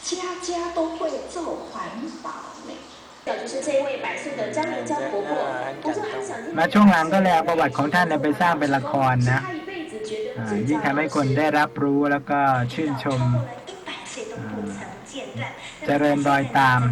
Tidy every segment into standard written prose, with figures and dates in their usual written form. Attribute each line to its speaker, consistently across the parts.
Speaker 1: 家家都会做环保呢。就是这位100岁的张莲娇婆婆，我就很想听。
Speaker 2: มาช่วงหลังก็เลยเอาประวัติของท่านไปสร้างเป็นละครนะยิ่งทำให้คนได้รับรู้แล้วก็ชื่นชมเจริญรอยตาม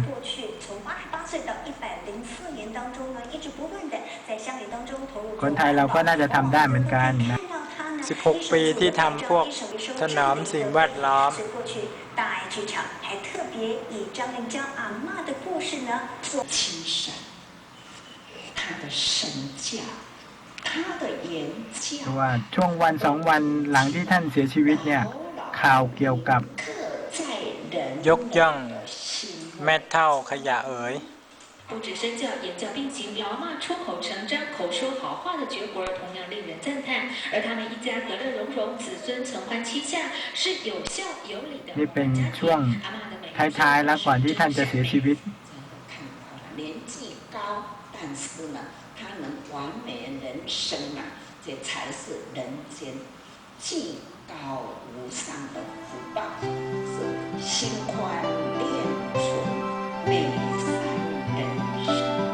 Speaker 2: คนไทยเราก็น่าจะทำได้เหมือนกันนะ16 ปีที่ทำพวกถนอมสิ่งแวดล้อม
Speaker 1: 大爱剧场还特别以张灵娇阿嬷的故事呢做七神，他的身教，他的言教。
Speaker 2: เพราะว่าช่วงวัน2 วันหลังที่ท่านเสียชีวิตเนี่ยข่าวเกี่ยวกับยกย่องแม่เฒ่าขยะเอ๋ย
Speaker 1: 不止身教、言教并行，老阿嬷出口成章、口说好话的绝活同样令人赞叹。而他们一家和乐融融，子孙承欢膝下，是有孝有礼的。
Speaker 2: นี่เป็นช่วงท้ายๆแล้วก่อนที่ท่านจะเสียชีวิต
Speaker 1: 年纪高，但是呢，他能完美人生啊，这才是人间至高无上的福报，是心宽念纯，美善人生。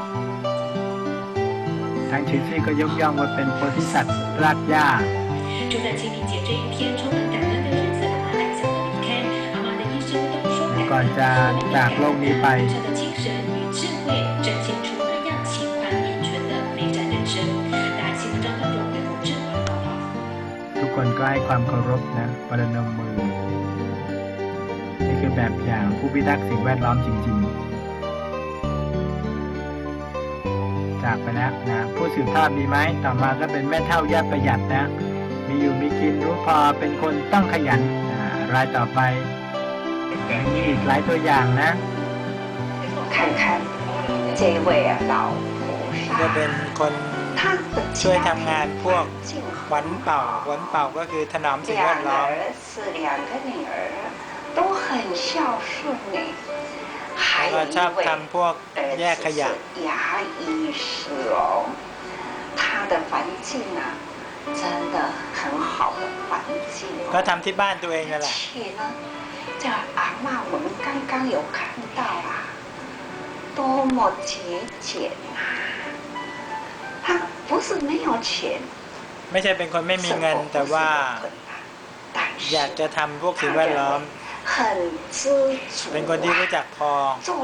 Speaker 2: ทางชื่อที่ก็ยกย่องว่าเป็นโพธิสัตว์รากหญ้า
Speaker 1: 就在清明节这一天充满感恩的日子，阿嬷安详的离开。阿嬷的一生都说
Speaker 2: ก่อนจะจากโลกนี้ไป
Speaker 1: 她的精神与智慧展现出那样心宽念纯的美善人生。大爱新闻张观众对我郑华报道。
Speaker 2: ทุกคนก็ให้ความเคารพนะประนมมือนี่คือแบบอย่างผู้พิทักษ์สิ่งแวดล้อมจริงๆจากไปแล้วนะผู้สืบทอดมีไหมต่อมาก็เป็นแม่เฒ่าย่าประหยัดนะมีอยู่มีกินรู้พอเป็นคนต้องขยันรายต่อไปมีอีกหลายตัวอย่างนะ
Speaker 1: 看看这位老
Speaker 2: ก็เป็นคนช่วยทำงานพวกหวันเป่าก็คือถนอมสิ่งแวดล้อม
Speaker 1: 都很孝顺呢。
Speaker 2: ก็ชอบทำพวกแยกขยะ
Speaker 1: 牙医师哦，他的环境啊，真的很好的环境。
Speaker 2: ก็ทำที่บ้านตัวเองนั่นแหละ
Speaker 1: 而且呢，这阿嬷我们刚刚有看到啊，多么节俭啊！他不是没有钱，
Speaker 2: ไม่ใช่เป็นคนไม่มีเงินแต่ว่าอยากจะทำพวกสิ่งแวดล้อมเป็นคนที่รู้จักพอ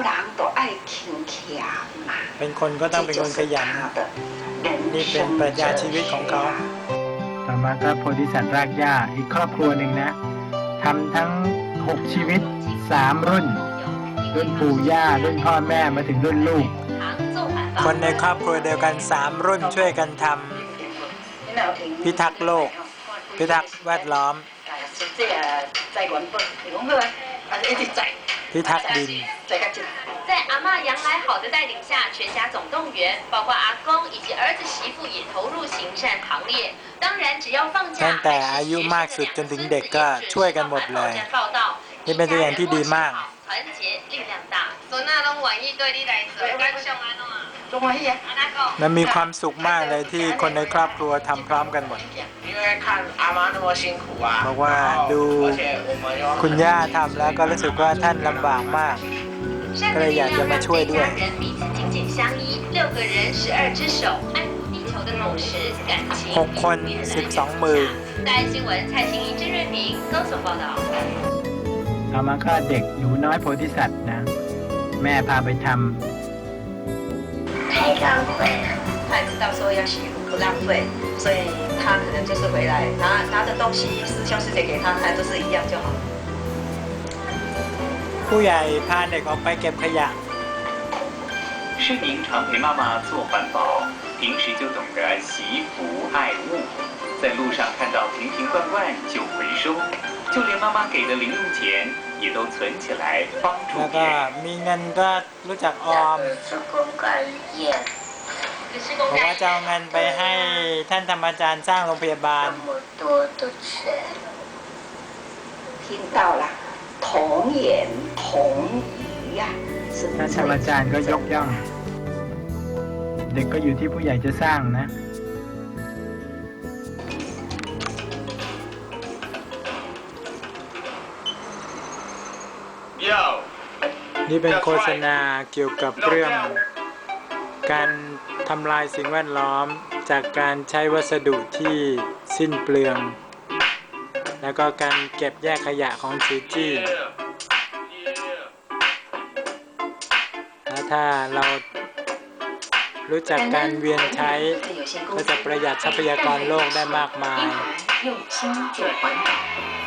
Speaker 2: เป็นคนก็ต้องเป็นคนขยันนี่เป็นปรัชญาชีวิตของเขาต่อมาก็โพธิสัตว์รากหญ้าอีกครอบครัวหนึ่งนะทำทั้ง6 ชีวิต3 รุ่นปู่ย่ารุ่นพ่อแม่มาถึงรุ่นลูกคนในครอบครัวเดียวกัน3 รุ่นช่วยกันทำพิทักษ์โลกพิทักษ์แวดล้อมพิทักษ์ดิน
Speaker 3: 在阿嬷杨来好的带领下，全家总动员，包括阿公以及儿子媳妇也投入行善行列。当然，只要放假，
Speaker 2: ตั้งแต่อายุมากสุดจนถึงเด็กก็ช่วยกันหมดเลยนี่เป็นตัวอย่างที่ดีมาก
Speaker 3: 团结力量大。孙仔拢愿意对你来做，敢上安怎？
Speaker 2: มันมีความสุขมากเลยที่คนในครอบครัวทำพร้อมกันหมดเพราะว่าดูคุณย่าทำแล้วก็รู้สึกว่าท่านลำบากมากก็เลยอยากจะมาช่วยด้วย6 คน 12 มือเอามาฆ่าเด็กหนูน้อยโพธิสัตว์นะแม่พาไปทำ
Speaker 1: 太浪费了，他也知道说要洗不浪费，所以他可能就是回来拿着东西，师兄师姐给他看都是一样就好。
Speaker 2: ผู้ใหญ่พาเด็กออกไปเก็บขยะ
Speaker 4: 盛明常陪妈妈做环保，平时就懂得惜福爱物，在路上看到瓶瓶罐罐就回收，就连妈妈给的零用钱也都存起来帮助
Speaker 2: แล้ว
Speaker 4: 别
Speaker 2: ก็
Speaker 4: 人。
Speaker 2: มีเงินก็รู้จักออมบอกว่าจะเอาเงินไปให้ท่านธรรมอาจารย์สร้างโรงพยาบาล
Speaker 1: 听到了童言童语呀
Speaker 2: ท่านธรรมอาจารย์ก็ยกย่องเด็กก็อยู่ที่ผู้ใหญ่จะสร้างนะ
Speaker 4: 明
Speaker 2: นี่เป็นโฆษณาเกี่ยวกับเรื่องการทำลายสิ่งแวดล้อมจากการใช้วัสดุที่สิ้นเปลือง แล้วก็การเก็บแยกขยะของจีจี้แล้วถ้าเรารู้จักการเวียนใช้ก็จะประหยัดทรัพยากรโลกได้มากมาย
Speaker 3: 用心做环保